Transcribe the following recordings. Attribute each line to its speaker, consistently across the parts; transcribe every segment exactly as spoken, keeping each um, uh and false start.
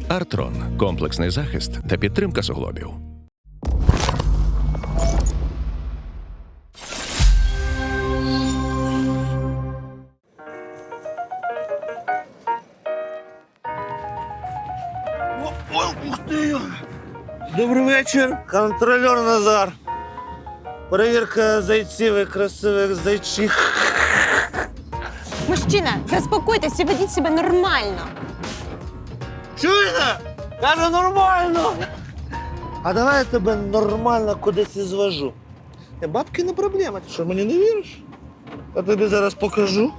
Speaker 1: Артрон – комплексний захист та підтримка суглобів.
Speaker 2: Ух ти! Добрий вечір, контролер Назар. Перевірка зайців і красивих зайчих.
Speaker 3: Мужчина, заспокойтесь і ведіть себе нормально.
Speaker 2: Чуєте? Каже, нормально. А давай я тебе нормально кудись і звожу. Е, бабки не проблема, ти що, мені не віриш? Я тобі зараз покажу.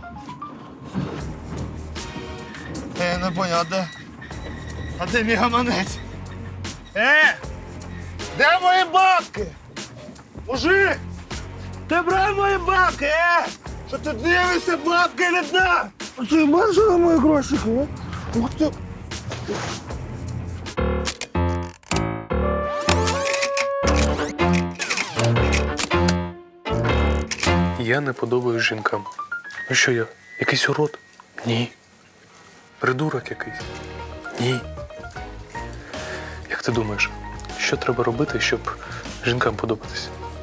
Speaker 2: Я не поняв, а де? А де мій гаманець? Е! Де мої бабки? Мужик! Ти брав мої бабки, е! Що ти дивишся, бабки не дав? Ти бачиш на мої грошики, а? Ух ти!
Speaker 4: Я не подобаюсь жінкам. Ну що я, якийсь урод? Ні. Придурок якийсь? Ні. Як ти думаєш, що треба робити, щоб жінкам подобатися?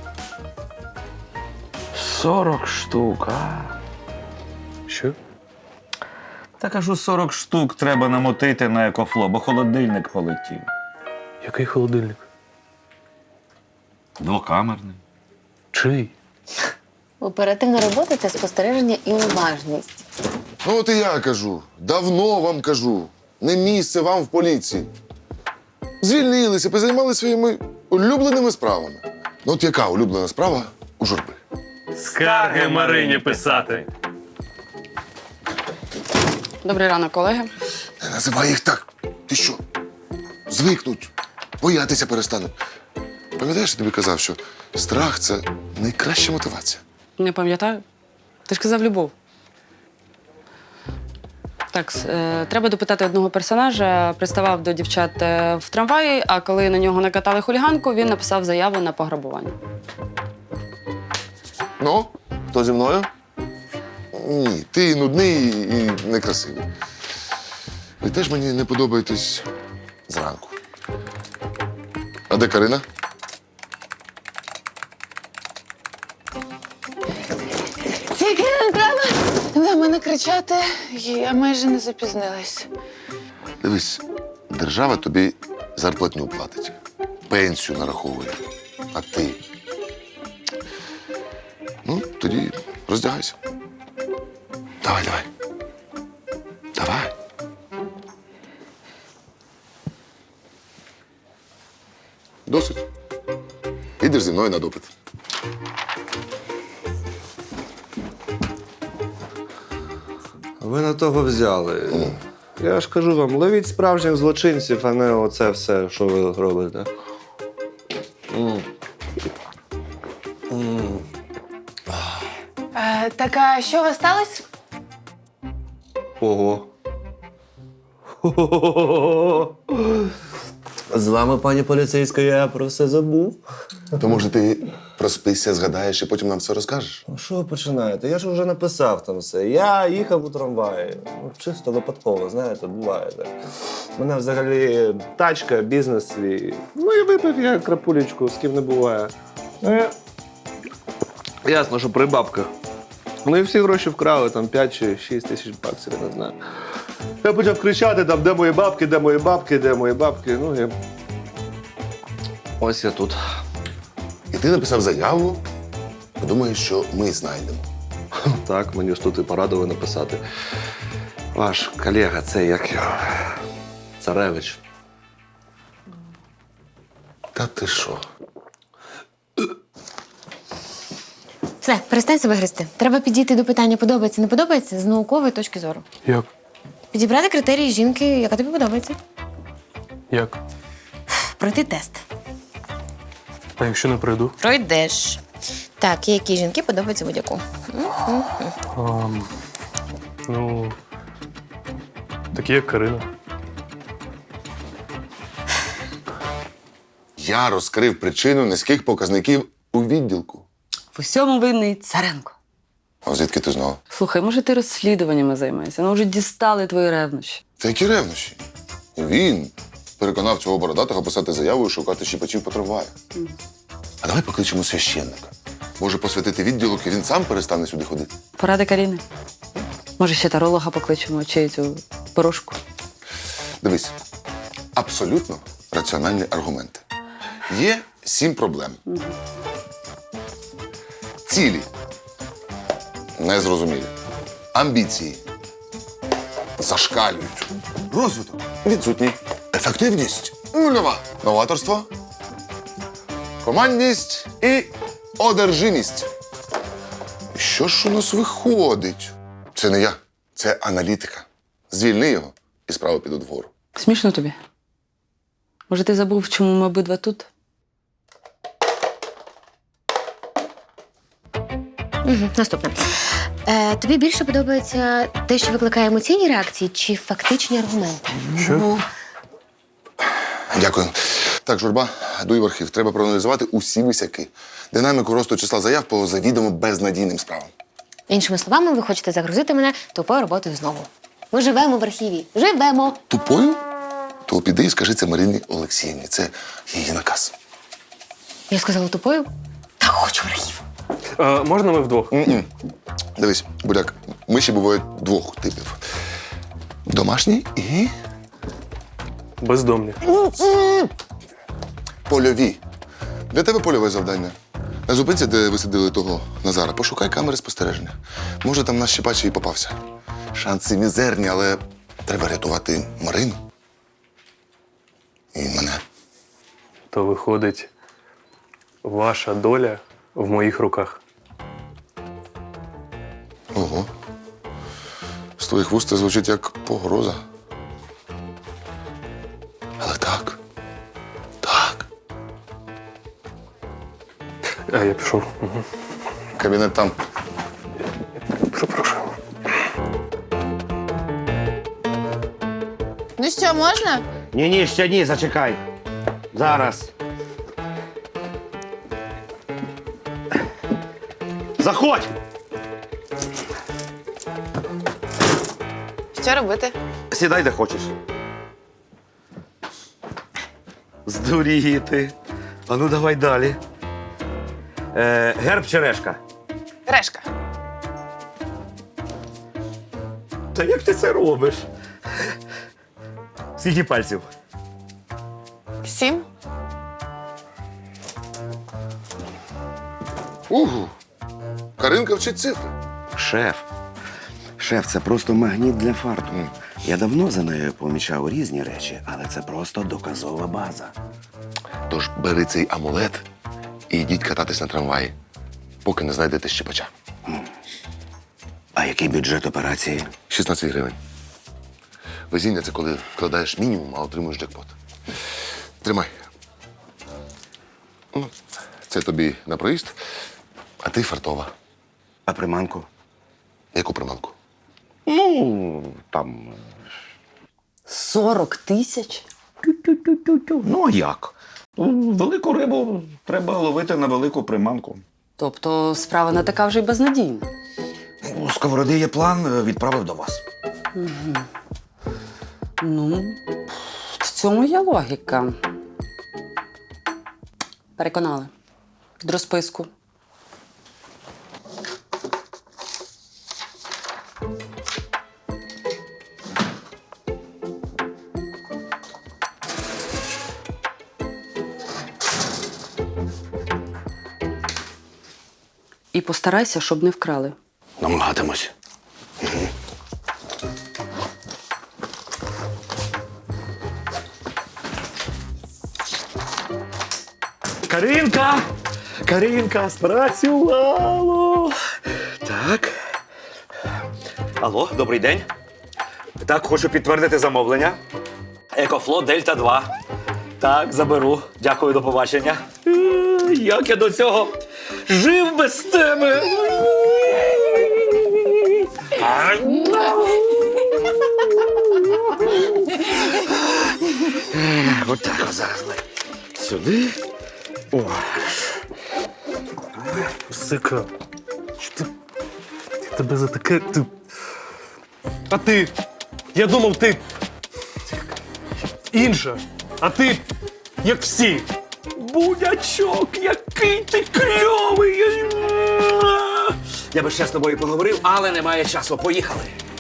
Speaker 5: сорок штук, а?
Speaker 4: Що?
Speaker 5: Та кажу, сорок штук треба намотити на екофло, бо холодильник полетів.
Speaker 4: Який холодильник?
Speaker 5: Двокамерний.
Speaker 4: Чий?
Speaker 6: Оперативна робота – це спостереження і уважність.
Speaker 7: Ну от і я кажу, давно вам кажу, не місце вам в поліції. Звільнилися, позаймалися своїми улюбленими справами. Ну от яка улюблена справа у журби?
Speaker 4: Скарги Марині писати.
Speaker 8: Добрий ранок, колеги.
Speaker 7: Не називай їх так. Ти що? Звикнуть, боятися перестануть. Пам'ятаєш, я тобі казав, що страх – це найкраща мотивація.
Speaker 8: Не пам'ятаю. Ти ж казав любов. Так, е, треба допитати одного персонажа. Приставав до дівчат е, в трамваї, а коли на нього накатали хуліганку, він написав заяву на пограбування.
Speaker 7: Ну, хто зі мною? Ні, ти нудний і некрасивий. Ви теж мені не подобаєтесь зранку. А де Карина?
Speaker 6: Тільки не треба на мене кричати, я майже не запізнилась.
Speaker 7: Дивись, держава тобі зарплатню платить, пенсію нараховує, а ти. Ну, тоді роздягайся. Давай, давай. Давай. Досить. Ідеш зі мною на допит.
Speaker 9: Ви на того взяли. Я ж кажу вам, ловіть справжніх злочинців, а не оце все, що ви робите. М. М.
Speaker 6: Е, так, а що у вас сталося?
Speaker 9: Ого. З вами, пані поліцейська, я про все забув.
Speaker 7: То, може, ти проспишся, згадаєш і потім нам все розкажеш?
Speaker 9: Ну, що ви починаєте? Я ж вже написав там все. Я їхав у трамваї. Ну, чисто випадково, знаєте, буває так. У мене взагалі тачка, бізнес свій. Ну і випив я крапулечку, з ким не буває. Ну, я... Ясно, що при бабках. Ну і всі гроші вкрали, там п'ять чи шість тисяч баксів, я не знаю. Я почав кричати, там, де мої бабки, де мої бабки, де мої бабки. Ну і ось я тут.
Speaker 7: І ти написав заяву, подумаєш, що ми знайдемо.
Speaker 9: Так, мені ж тут і порадили написати. Ваш колега, це як його? Царевич.
Speaker 7: Та ти що?
Speaker 6: Все, перестань себе гризти. Треба підійти до питання подобається, не подобається з наукової точки зору.
Speaker 4: Як?
Speaker 6: Підібрати критерії жінки, яка тобі подобається.
Speaker 4: Як?
Speaker 6: Пройти тест.
Speaker 4: А якщо не прийду?
Speaker 6: Пройдеш. Так, які жінки подобаються будь-яку.
Speaker 4: А, ну, такі як Карина.
Speaker 7: Я розкрив причину низьких показників у відділку.
Speaker 8: В усьому винний Царенко.
Speaker 7: А звідки ти знала?
Speaker 8: Слухай, може ти розслідуваннями займаєшся? Ну вже дістали твої ревнощі.
Speaker 7: Та які ревнощі? Він переконав цього бородатого писати заяву і шукати щіпачів по трамваю. А давай покличемо священника. Може посвятити відділок, і він сам перестане сюди ходити.
Speaker 8: Поради Каріни. Може, ще таролога покличемо, чи цю порошку.
Speaker 7: Дивись, абсолютно раціональні аргументи. Є сім проблем. Цілі. Незрозумілі. Амбіції. Зашкалюють. Розвиток. Відсутній. Ефективність. Нульова. Новаторство. Командність і одержимість. Що ж у нас виходить? Це не я, це аналітика. Звільни його, і справи підуть вгору.
Speaker 8: Смішно тобі? Може, ти забув, чому ми обидва тут?
Speaker 10: Угу, наступне. Е, тобі більше подобається те, що викликає емоційні реакції, чи фактичні аргументи?
Speaker 4: Що?
Speaker 7: Дякую. Так, Журба, дуй в архів. Треба проаналізувати усі висяки. Динаміку росту числа заяв по завідомо безнадійним справам.
Speaker 10: Іншими словами, ви хочете загрузити мене тупою роботою знову. Ми живемо в архіві. Живемо!
Speaker 7: Тупою? То піди і скажи це Марині Олексіївні. Це її наказ.
Speaker 10: Я сказала тупою? Та хочу в архів.
Speaker 4: Е, можна ми вдвох?
Speaker 7: М-м. Дивись, Буряк, миші бувають двох типів. Домашні і
Speaker 4: Бездомні.
Speaker 7: польові. Для тебе польове завдання. На зупинці, де висадили того Назара, пошукай камери спостереження. Може, там наш щепач і попався. Шанси мізерні, але треба рятувати Марину. І мене.
Speaker 4: То виходить, ваша доля в моїх руках.
Speaker 7: Ого. З твоїх вуст це звучить як погроза. Але так. Так.
Speaker 4: А я пішов. Угу.
Speaker 7: Кабінет там.
Speaker 4: Прошу.
Speaker 6: Ну що, можна?
Speaker 5: Ні-ні, ще ні, зачекай. Зараз. Заходь!
Speaker 6: Що робити?
Speaker 5: Сідай, де хочеш. Здуріти. А ну давай далі. Е, герб чи решка?
Speaker 6: Решка.
Speaker 5: Та як ти це робиш? Скільки пальців?
Speaker 6: Сім.
Speaker 7: Угу. Каринка вчить цифри.
Speaker 11: Шеф. Шеф, це просто магніт для фарту. Я давно за нею помічав різні речі, але це просто доказова база.
Speaker 7: Тож бери цей амулет і йдіть кататись на трамваї, поки не знайдете щепача.
Speaker 11: А який бюджет операції?
Speaker 7: шістнадцять гривень. Везіння – це коли вкладаєш мінімум, а отримуєш джекпот. Тримай. Ну, це тобі на проїзд, а ти фартова.
Speaker 11: А приманку?
Speaker 7: Яку приманку?
Speaker 11: Ну, там.
Speaker 8: Сорок тисяч?
Speaker 5: Ну, а як? Велику рибу треба ловити на велику приманку.
Speaker 8: Тобто справа не така вже й безнадійна.
Speaker 5: У Сковороди є план, відправив до вас.
Speaker 8: Ну, в цьому є логіка. Переконали. Під розписку. І постарайся, щоб не вкрали.
Speaker 11: Намагатимось.
Speaker 5: Каринка! Каринка, спрацювало! Так. Алло, добрий день. Так, хочу підтвердити замовлення. Екофлот Дельта два. Так, заберу. Дякую, до побачення. Е, Як я до цього жив без тебе? Отак зараз. Сюди. О.
Speaker 4: Сика. Що ти? Я тебе за таке. Ти. А ти? Я думав, ти. інша. А ти, як всі. Будячок, який ти кльовий!
Speaker 11: Я би ще з тобою поговорив, але немає часу. Поїхали.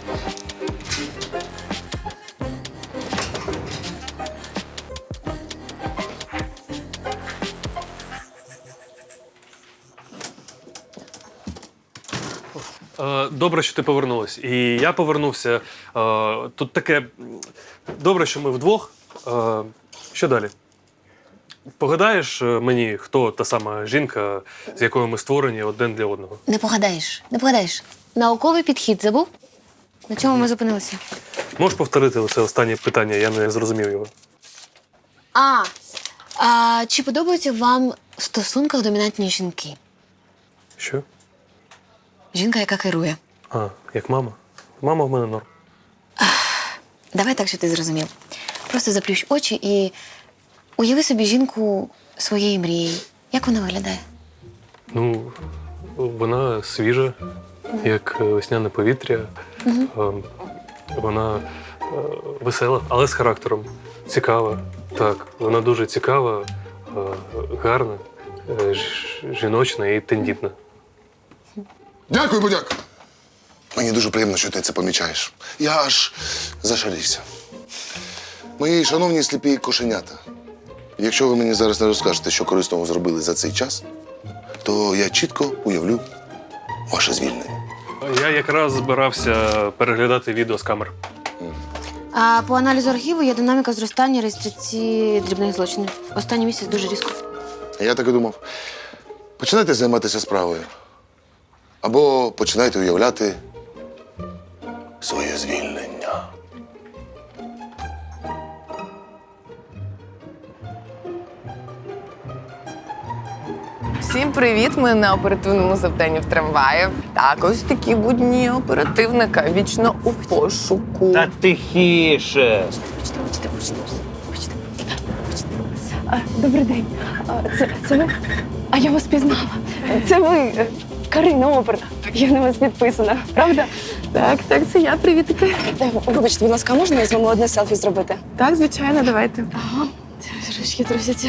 Speaker 4: Е, Добре, що ти повернулась. І я повернувся. Е, Тут таке. Добре, що ми вдвох. Е, Що далі? Погадаєш е, мені, хто та сама жінка, з якою ми створені один для одного?
Speaker 10: Не погадаєш, не погадаєш. Науковий підхід забув? На чому ми зупинилися?
Speaker 4: Можеш повторити це останнє питання, я не зрозумів його.
Speaker 10: А, а чи подобаються вам в стосунках домінантні жінки?
Speaker 4: Що?
Speaker 10: Жінка, яка керує.
Speaker 4: А, як мама? Мама в мене норм.
Speaker 10: Давай так, що ти зрозумів. Просто заплющ очі і уяви собі жінку своєї мрії. Як вона виглядає?
Speaker 4: Ну, вона свіжа, як весняне повітря. Е, Вона е, весела, але з характером. Цікава. Так, вона дуже цікава, е, гарна, е, ж- жіночна і тендітна.
Speaker 7: Дякую, будяк. Мені дуже приємно, що ти це помічаєш. Я аж зашалився. Мої шановні сліпі кошенята, якщо ви мені зараз не розкажете, що корисного зробили за цей час, то я чітко уявлю ваше звільнення.
Speaker 4: Я якраз збирався переглядати відео з камер.
Speaker 10: А по аналізу архіву є динаміка зростання реєстрації дрібних злочинів. Останній місяць дуже різко.
Speaker 7: Я так і думав. Починайте займатися справою. Або починайте уявляти своє звільнення.
Speaker 6: Всім привіт! Ми на оперативному завданні в трамваї. Так, ось такі будні оперативника вічно у пошуку.
Speaker 5: Та тихіше.
Speaker 3: Добрий день. А, Це, це ви? А я вас пізнала. Це ви, е, Карина Оперна. Я на вас підписана, правда?
Speaker 6: Так, так, це я. Привітики.
Speaker 3: Е, Вибачте, будь ласка, можна я з вами одне селфі зробити?
Speaker 6: Так, звичайно, давайте.
Speaker 3: Ага. Трошки трусяться.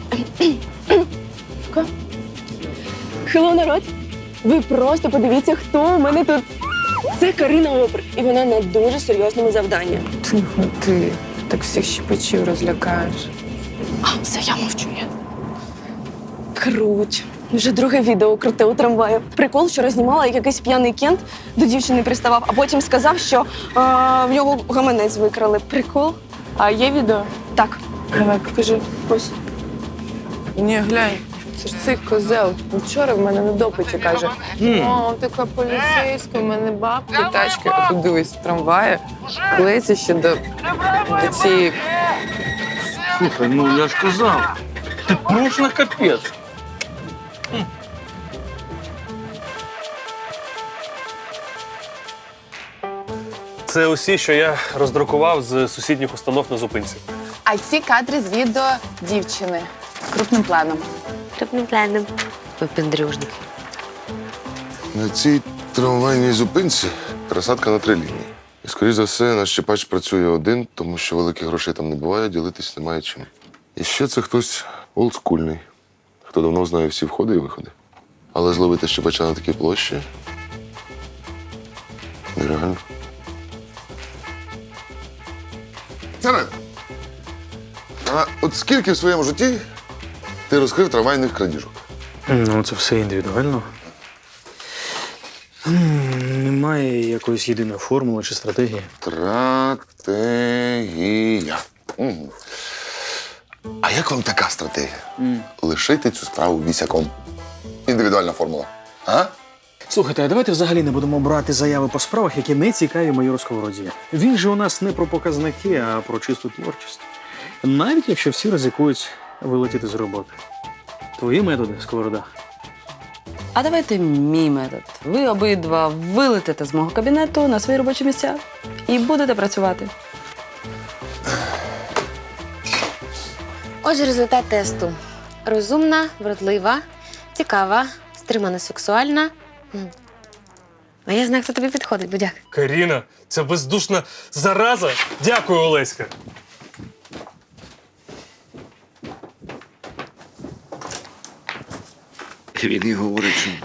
Speaker 3: Хелло, народ! Ви просто подивіться, хто у мене тут. Це Карина Опер, і вона на дуже серйозному завданні.
Speaker 6: Тихо ти. Так всіх щепочів розлякаєш.
Speaker 3: А, все, я мовчу. Я. Круть. Вже друге відео круте у трамваю. Прикол, що рознімала, як якийсь п'яний кент до дівчини приставав, а потім сказав, що а, в нього гаманець викрали. Прикол?
Speaker 6: А є відео?
Speaker 3: Так.
Speaker 6: Давай, покажи. Ось. Ні, глянь. Це ж цей козел. Вчора в мене на допиті каже: о, така поліцейська, у мене бабки, тачки. А тут дивись, в трамваї клеїться ще до, до цієї.
Speaker 5: Слухай, ну я ж казав. Ти просто капець.
Speaker 4: Це усі, що я роздрукував з сусідніх установ на зупинці.
Speaker 6: А ці кадри з відео дівчини. Крупним планом.
Speaker 10: Крупним планом. Попендрюжник.
Speaker 7: На цій трамвайній зупинці пересадка на три лінії. І, скоріш за все, наш щепач працює один, тому що великих грошей там не буває, ділитись немає чим. І ще це хтось олдскульний, хто давно знає всі входи і виходи. Але зловити щепача на такій площі нереально. Таран, а от скільки в своєму житті ти розкрив трамвайних крадіжок?
Speaker 12: Ну, це все індивідуально. М, Немає якоїсь єдиної формули чи стратегії.
Speaker 7: Стратегія. Угу. А як вам така стратегія? Лишити цю справу вісяком. Індивідуальна формула. А?
Speaker 12: Слухайте, а давайте взагалі не будемо брати заяви по справах, які не цікаві майору Сковороді. Він же у нас не про показники, а про чисту творчість. Навіть якщо всі ризикують вилетіти з роботи. Твої методи, Сковорода.
Speaker 8: А давайте мій метод. Ви обидва вилетите з мого кабінету на свої робочі місця і будете працювати.
Speaker 10: Отже, результат тесту. Розумна, вродлива, цікава, стримана, сексуальна. М. А я знаю, хто тобі підходить, будяк.
Speaker 4: Каріна, ця бездушна зараза. Дякую, Олеська.
Speaker 11: Він і говорить, що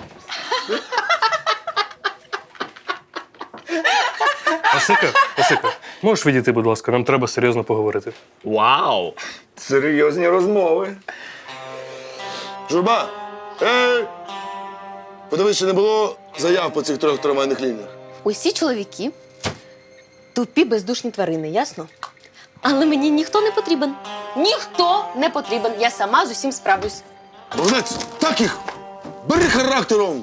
Speaker 4: Осика, Осика, можеш відійти, будь ласка, нам треба серйозно поговорити.
Speaker 5: Вау! Серйозні розмови.
Speaker 7: Журба! Ей! Подивись, чи не було заяв по цих трьох трамвайних лініях.
Speaker 10: Усі чоловіки тупі бездушні тварини, ясно? Але мені ніхто не потрібен. Ніхто не потрібен. Я сама з усім справлюсь.
Speaker 7: Богданець, так їх! Бери характером!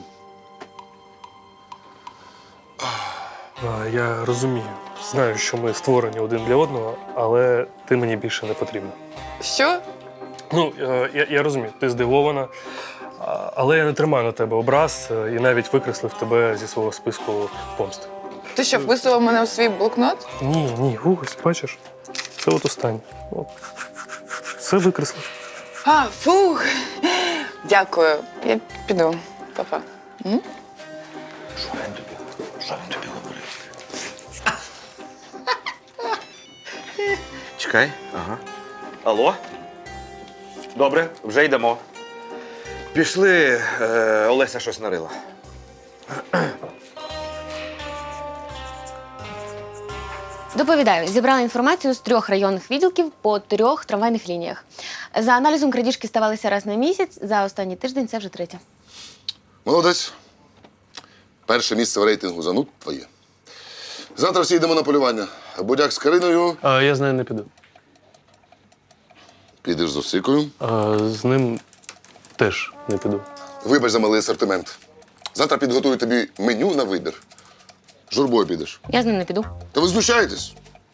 Speaker 4: А, я розумію. Знаю, що ми створені один для одного, але ти мені більше не потрібна.
Speaker 6: Що?
Speaker 4: Ну, е, я, я розумію, ти здивована, а, але я не тримаю на тебе образ е, і навіть викреслив тебе зі свого списку помсти.
Speaker 6: Ти що, вписував мене в свій блокнот?
Speaker 4: Ні, ні, ось, бачиш, це от останнє. От. Все викреслив.
Speaker 6: А, фух. Дякую. Я піду. Па-па. М?
Speaker 11: що він тобі? Що він тобі говорив?
Speaker 5: Чекай. Ага. Алло? Добре, вже йдемо. Пішли, е, Олеся щось нарила.
Speaker 10: Доповідаю, зібрала інформацію з трьох районних відділків по трьох трамвайних лініях. За аналізом крадіжки ставалися раз на місяць, за останній тиждень це вже третя.
Speaker 7: Молодець. Перше місце в рейтингу зануд твоє. Завтра всі йдемо на полювання. Будяк з Кариною,
Speaker 4: А я з нею не піду.
Speaker 7: підеш з Осикою.
Speaker 4: А, з ним теж не піду.
Speaker 7: Вибач за малий асортимент. Завтра підготую тобі меню на вибір. Журбою підеш.
Speaker 10: Я з ним не піду.
Speaker 7: Та ви знущаєтесь?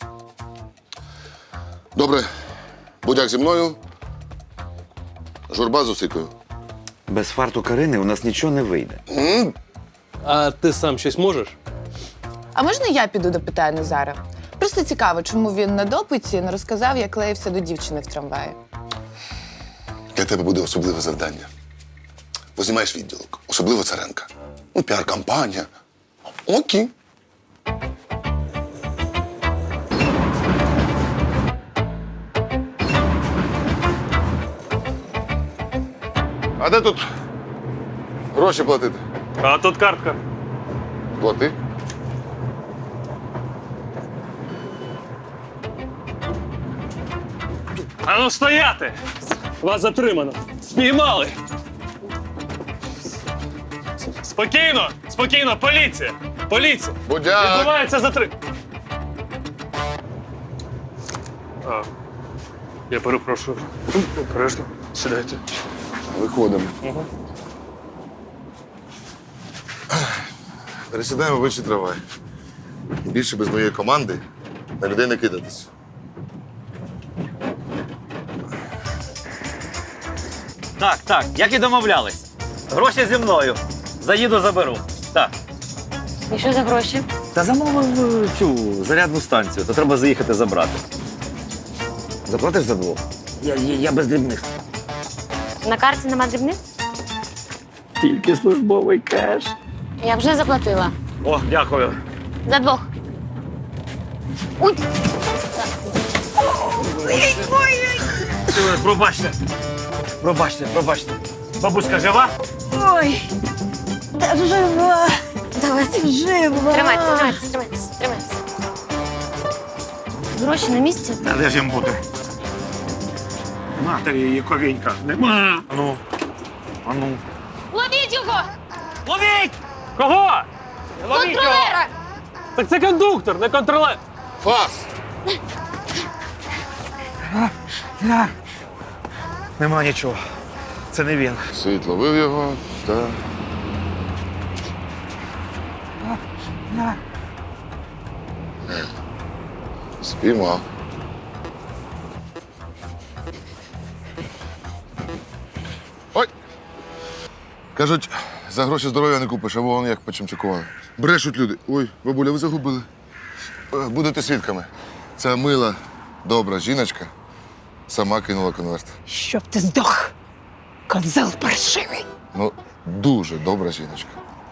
Speaker 7: Добре. Будяк зі мною. Журба з Осикою.
Speaker 11: Без фарту Карини у нас нічого не вийде.
Speaker 7: М?
Speaker 4: А ти сам щось можеш?
Speaker 6: А можна я піду допитаю Назара? Просто цікаво, чому він на допиті не розказав, як клеївся до дівчини в трамваї.
Speaker 7: Для тебе буде особливе завдання. Познімаєш відділок, особливо Царенка. Ну, піар-кампанія. Окей. А де тут гроші платити?
Speaker 4: А тут картка.
Speaker 7: Плати.
Speaker 4: Ану стояти! Вас затримано. Спіймали. Спокійно, спокійно, поліція! Поліція!
Speaker 7: Будяк!
Speaker 4: Відбувається затрим. А, я перепрошую. Обережно. Сідайте.
Speaker 7: Виходимо.
Speaker 4: Угу.
Speaker 7: Пересідаємо в інший трамвай. І більше без моєї команди на людей не кидатись.
Speaker 5: Так, так, як і домовлялись. Гроші зі мною. Заїду, заберу. Так.
Speaker 10: І що за гроші?
Speaker 5: Та замовив е, цю зарядну станцію, то треба заїхати забрати. Заплатиш за двох? Я, я, я без дрібних.
Speaker 10: На карті нема дрібних?
Speaker 5: Тільки службовий кеш.
Speaker 10: Я вже заплатила.
Speaker 5: О, дякую.
Speaker 10: За двох. Ой,
Speaker 5: Пробачте. Пробачте, пробачте. Бабуська жива?
Speaker 10: ой. Та жива. Давайте. Жива. Тримайтесь, тримайтесь, тримайтесь, тримайтесь. Гроші на місці?
Speaker 5: Та де ж їм бути? Матері її ковінька. Нема. Ану. Ану.
Speaker 10: Ловіть його!
Speaker 4: Ловіть! Кого? Ловіть його!
Speaker 10: Контролера!
Speaker 4: Так це кондуктор, не контролер.
Speaker 7: Фас!
Speaker 5: Нема нічого. Це не він.
Speaker 7: Світ ловив його та. Спіймав. Ой! Кажуть, за гроші здоров'я не купиш, а вон як почимчикували. Брешуть люди. Ой, бабуля, ви загубили. Е, Будете свідками. Ця мила, добра жіночка сама кинула конверт.
Speaker 13: Щоб ти здох, козел паршивий.
Speaker 7: Ну, дуже добра жіночка.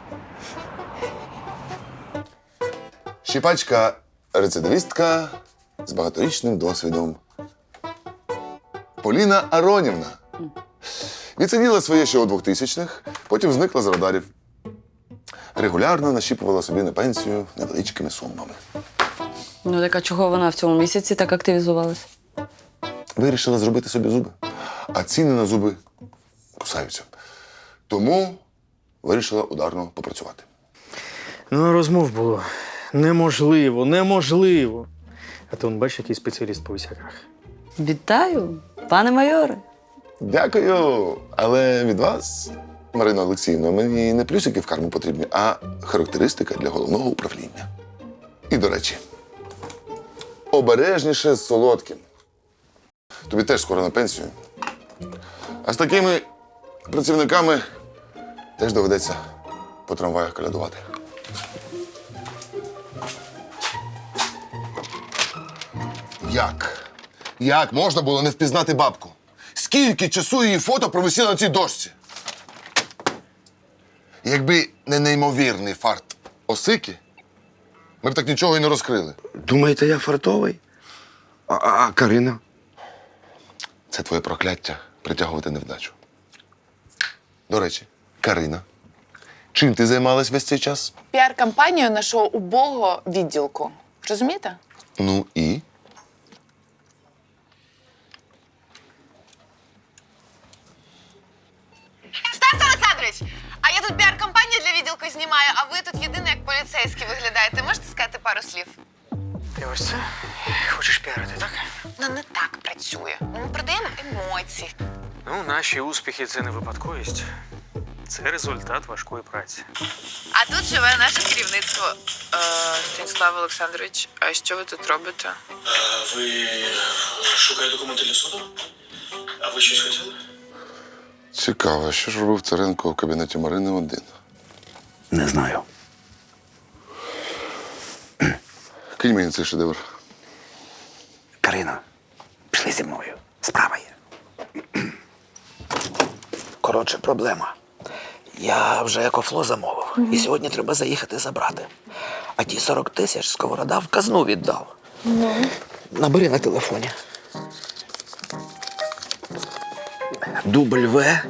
Speaker 7: Щіпачка рецидивістка з багаторічним досвідом. Поліна Аронівна. Відсиділа своє ще у двохтисячних, потім зникла з радарів. Регулярно нащіпувала собі на пенсію невеличкими сумами.
Speaker 8: Ну так а чого вона в цьому місяці так активізувалась?
Speaker 7: Вирішила зробити собі зуби, а ціни на зуби кусаються. Тому вирішила ударно попрацювати.
Speaker 12: Ну, розмов було неможливо, неможливо. А то, он, бачиш, який спеціаліст по висяках.
Speaker 8: Вітаю, пане майоре.
Speaker 7: Дякую. Але від вас, Марина Олексіївна, мені не плюсики в карму потрібні, а характеристика для головного управління. І, до речі, обережніше з солодким. Тобі теж скоро на пенсію. А з такими працівниками теж доведеться по трамваях колядувати. Як? Як можна було не впізнати бабку? Скільки часу її фото провисіло на цій дошці? Якби не неймовірний фарт Осики, ми б так нічого і не розкрили.
Speaker 11: Думаєте, я фартовий? А, а, а Карина?
Speaker 7: Це твоє прокляття притягувати невдачу. До речі, Карина, чим ти займалась весь цей час?
Speaker 6: Піар-кампанію нашого убогого відділку. Розумієте?
Speaker 7: Ну і?
Speaker 6: Стас Олександрович! А я тут піар-кампанію для відділку знімаю, а ви тут єдиний як поліцейський виглядаєте. Можете сказати пару слів?
Speaker 12: Ти ось це хочеш піарити, так?
Speaker 6: Ну, не так працює. Ми продаємо емоції.
Speaker 12: Ну, наші успіхи – це не випадковість. Це результат важкої праці.
Speaker 6: А тут живе наше керівництво. Е, Станіслав Олександрович, а що ви тут робите?
Speaker 12: А ви шукаєте документи для суду? А ви щось хотіли?
Speaker 7: Цікаво, що ж робив Царенко в кабінеті Марини один?
Speaker 11: Не знаю.
Speaker 7: Кинь мені цей шедевр.
Speaker 11: Карина, пішли зі мною. Справа є. Коротше, проблема. Я вже екофло замовив. І сьогодні треба заїхати забрати. А ті сорок тисяч Сковорода в казну віддав. Набери на телефоні. Дубль В.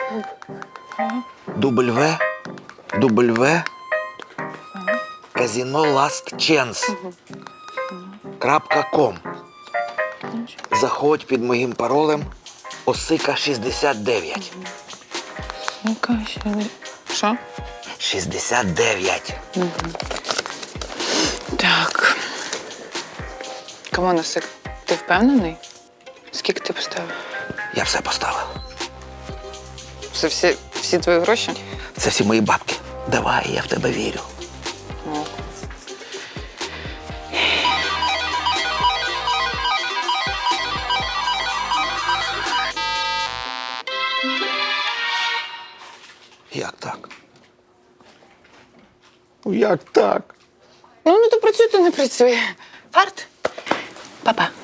Speaker 11: Дубль В. Дубль В. Казино Last Chance. Крапка ком. Заходь під моїм паролем Осика шістдесят дев'ять.
Speaker 6: Яка ще? Що?
Speaker 11: шістдесят дев'ять.
Speaker 6: Так. Камон, Осик, ти впевнений? Скільки ти поставив?
Speaker 11: Я все поставив.
Speaker 6: Це всі, всі твої гроші?
Speaker 11: Це всі мої бабки. Давай, я в тебе вірю.
Speaker 6: Ну.
Speaker 11: Як так? Ну, як так?
Speaker 6: Ну, не то працює, то не працює. Фарт? Па-па.